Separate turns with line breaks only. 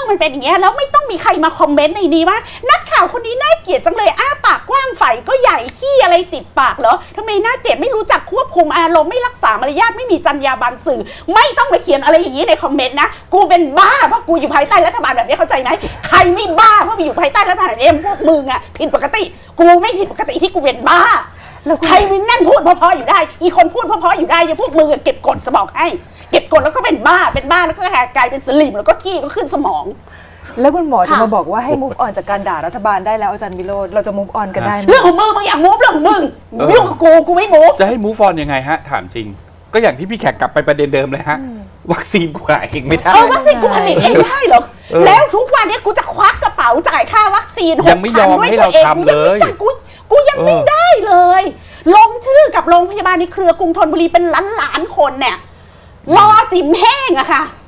มันเป็นอย่างเงี้ยแล้วไม่ต้องมีใครมาคอมเมนต์ในนี้ว่านักข่าวคนนี้น่าเกลียดจังเลยอ้าปากกว้างไฝก็ใหญ่ขี้อะไรติดปากเหรอทำไมน่าเกลียดไม่รู้จักควบคุมอารมณ์ไม่รักษามารยาทไม่มีจรรยาบรรณสื่อไม่ต้องมาเขียนอะไรอย่างนี้ในคอมเมนต์นะกูเป็นบ้าเพราะกูอยู่ภายใต้รัฐบาลแบบนี้เข้าใจไหมใครไม่บ้าเพราะอยู่ภายใต้รัฐบาลแบบนี้พวกมึงอะผิดปกติกูไม่ผิดปกติที่กูเป็นบ้าใครมันนั่นพูดเพราะๆอยู่ได้อีคนพูดเพราะๆอยู่ได้ยังพวกมึงเก็บกดสมองให้เก็บกดแล้วก็เป็นบ้าแล้วก็กลายเป็นสลิมแล้วก็ขี้ก็ขึ้นสมอง
แล้วคุณหมอจะมาบอกว่าให้ move on จากการด่ารัฐบาลได้แล้วอาจารย์วิโรจน์เราจะ move on กันได้ไหม
เรื่องของมึงอยาก move เรื่องของมึงยุ่งกับกูไม่ move
จะให้ move on ยังไงฮะถามจริงก็อย่างที่พี่แขกกลับไปประเด็นเดิมเลยฮะวัคซีนกูหาเองไม่ได้
วัคซีนกูผลิตเองได้หรอแล้วทุกวันนี้กูจะควักกระเป๋าจ่ายค่าวัคซีน
ยังไม่ยอมให้เราทำเลย
กูยังไม่ได้เลยลงชื่อกับโรงพยาบาลในเครือกรุงธนบุรีเป็นล้านคนเนี่ยรอจิ๋มแห้งอะค่ะ